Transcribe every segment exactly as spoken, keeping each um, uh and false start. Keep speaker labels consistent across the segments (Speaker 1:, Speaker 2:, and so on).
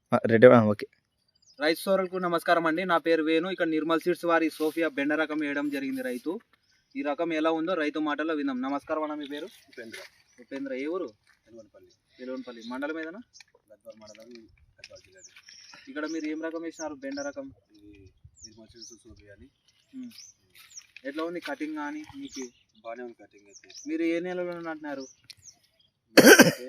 Speaker 1: Ready okay.
Speaker 2: రైతు సోదరులకు నమస్కారం అండి. నా పేరు వేణు. ఇక్కడ నిర్మల్ సీడ్స్ వారి సోఫియా బెండ రకం వేయడం జరిగింది రైతు. ఈ రకం ఎలా ఉందో రైతు మాటల్లో విందాం. నమస్కారం అన్న, మీ పేరు?
Speaker 3: ఉపేంద్ర.
Speaker 2: ఉపేంద్ర. ఏ ఊరు?
Speaker 3: ఎలవనపల్లి.
Speaker 2: ఎలవనపల్లి మండలం ఏదన్నా?
Speaker 3: గద్వాల మండలం, గద్వాల జిల్లా.
Speaker 2: ఇక్కడ మీరు ఏం రకం వేసినారు? బెండ రకం.
Speaker 3: ఇది నిర్మల్ సీడ్స్ సోఫియా అని.
Speaker 2: ఎట్లా ఉంది కటింగ్ కానీ? మీకు
Speaker 3: బాగానే ఉంది కటింగ్ అయితే.
Speaker 2: మీరు ఏ నెలలో నాటినారు?
Speaker 3: అంటే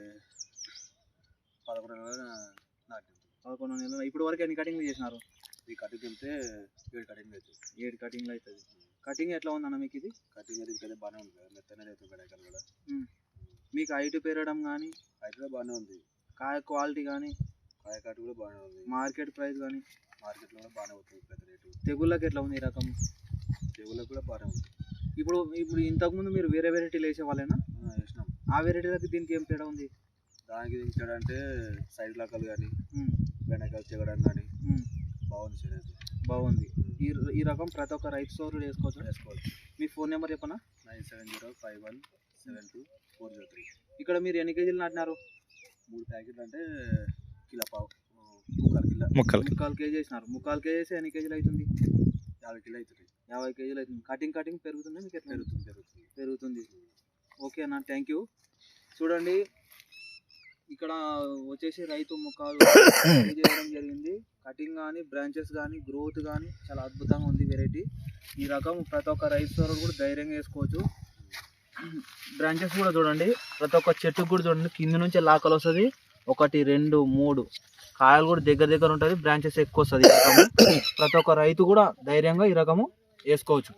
Speaker 3: పదకొండు నెలలు నాటింది.
Speaker 2: పదకొండు నెలలు. ఇప్పుడు వరకు ఎన్ని కటింగ్లు చేసినారు?
Speaker 3: ఈ కటింగ్ వెళ్తే ఏడు కటింగ్ అవుతుంది.
Speaker 2: ఏడు కటింగ్లు అవుతుంది. కటింగ్ ఎట్లా ఉంది అన్న మీకు? ఇది
Speaker 3: కటింగ్ అయితే ఇంకైతే బాగానే ఉంది కదా, మెత్తనే అవుతుంది గడకలు కూడా.
Speaker 2: మీకు హైట్ పెరగడం కానీ?
Speaker 3: హైట్ కూడా బాగానే ఉంది.
Speaker 2: కాయ క్వాలిటీ కానీ?
Speaker 3: కాయ కాటు కూడా బాగానే ఉంది.
Speaker 2: మార్కెట్ ప్రైస్ కానీ?
Speaker 3: మార్కెట్లో కూడా బాగానే అవుతుంది పెద్ద రేటు.
Speaker 2: తెగుళ్ళకి ఎట్లా ఉంది ఈ రకం?
Speaker 3: తెగుళ్ళకి కూడా బాగానే ఉంది.
Speaker 2: ఇప్పుడు ఇప్పుడు ఇంతకుముందు మీరు వేరే వెరైటీలు వేసే వాళ్ళేనా?
Speaker 3: వేసినాం.
Speaker 2: ఆ వెరైటీలకి దీనికి ఏం తేడా ఉంది?
Speaker 3: దానికి దించాడంటే సైడ్ లాకలు కానీ వెనకాల చెగడం కానీ బాగుంది సార్. అది
Speaker 2: బాగుంది. ఈ ఈ రకం ప్రతి ఒక్క రైతు సోదరుడు వేసుకోవచ్చు.
Speaker 3: వేసుకోవచ్చు.
Speaker 2: మీ ఫోన్ నెంబర్ చెప్పనా?
Speaker 3: Nine seven zero five one seven two four zero three.
Speaker 2: ఇక్కడ మీరు ఎన్ని కేజీలు నాటినారు?
Speaker 3: మూడు ప్యాకెట్లు అంటే కిలో పావు, ముక్కాలు కిలో.
Speaker 1: ముక్కలు
Speaker 2: ముక్కాలు కేజీ వేసినారు. ముక్కాలు కేజీ వేస్తే ఎన్ని కేజీలు అవుతుంది?
Speaker 3: యాభై కిలో అవుతుంది.
Speaker 2: యాభై కేజీలు అవుతుంది. కటింగ్ కటింగ్ పెరుగుతుంది మీకు? ఎట్లా
Speaker 3: పెరుగుతుంది పెరుగుతుంది
Speaker 2: పెరుగుతుంది. ఓకే అన్న, థ్యాంక్ యూ. చూడండి, ఇక్కడ వచ్చేసి రైతు ముఖాలు చేయడం జరిగింది. కటింగ్ కానీ, బ్రాంచెస్ కానీ, గ్రోత్ కానీ చాలా అద్భుతంగా ఉంది వెరైటీ. ఈ రకం ప్రతి ఒక్క రైతు సోదరుడు కూడా ధైర్యంగా వేసుకోవచ్చు. బ్రాంచెస్ కూడా చూడండి, ప్రతి ఒక్క చెట్టుకు కూడా చూడండి, కింద నుంచే లాకలు వస్తుంది. ఒకటి, రెండు, మూడు కాయలు కూడా దగ్గర దగ్గర ఉంటుంది. బ్రాంచెస్ ఎక్కువ వస్తుంది. ఈ రకము ప్రతి ఒక్క రైతు కూడా ధైర్యంగా ఈ రకము వేసుకోవచ్చు.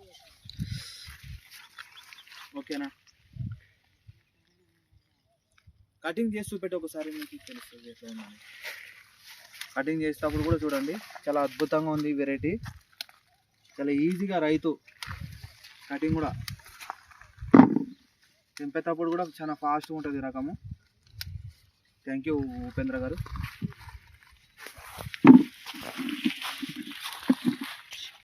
Speaker 2: ఓకేనా? కటింగ్ చేసి చూపెట్టి ఒకసారి మీకు తెలుస్తుంది ఎట్లా ఉందని. కటింగ్ చేసేటప్పుడు కూడా చూడండి, చాలా అద్భుతంగా ఉంది ఈ వెరైటీ. చాలా ఈజీగా రైతు కటింగ్ కూడా తెంపేటప్పుడు కూడా చాలా ఫాస్ట్గా ఉంటుంది ఈ రకము. థ్యాంక్ యూ ఉపేంద్ర గారు.